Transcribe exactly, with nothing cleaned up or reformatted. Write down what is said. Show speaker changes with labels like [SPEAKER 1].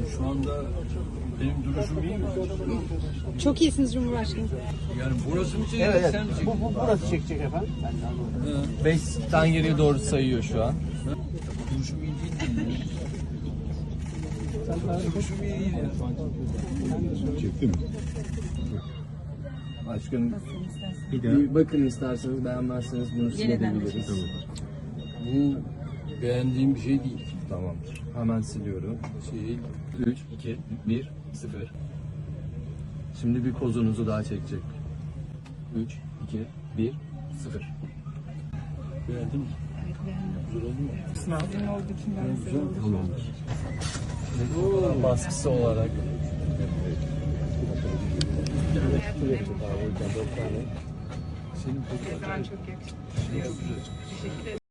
[SPEAKER 1] Şu anda benim duruşum iyi mi?
[SPEAKER 2] Çok iyisiniz Cumhurbaşkanım.
[SPEAKER 1] Yani burası mı çekecek,
[SPEAKER 3] Evet,
[SPEAKER 1] sen mi
[SPEAKER 3] evet.
[SPEAKER 1] çekeceksin?
[SPEAKER 3] Bu, bu burası çekecek efendim.
[SPEAKER 4] Beşten geriye doğru sayıyor şu an.
[SPEAKER 1] Duruşum iyi değil mi? Duruşum iyi değil ya.
[SPEAKER 5] Çekti mi?
[SPEAKER 4] Başkanım
[SPEAKER 5] Bir daha.
[SPEAKER 4] bir bakın isterseniz, beğenmezseniz bunu silebiliriz.
[SPEAKER 1] Bu beğendiğim bir şey değil.
[SPEAKER 4] Tamamdır. Hemen siliyorum.
[SPEAKER 1] Şey,
[SPEAKER 4] üç, iki, bir, sıfır. Şimdi bir pozunuzu daha çekecek. üç, iki, bir, sıfır.
[SPEAKER 1] beğendin mi? Güzel oldu mu?
[SPEAKER 2] Sizin olduğu için ben size oldum.
[SPEAKER 4] Tamamdır. Baskısı olarak.
[SPEAKER 1] Senin
[SPEAKER 2] Çok yakışıklı.
[SPEAKER 1] çok güzel.
[SPEAKER 2] Teşekkür ederim.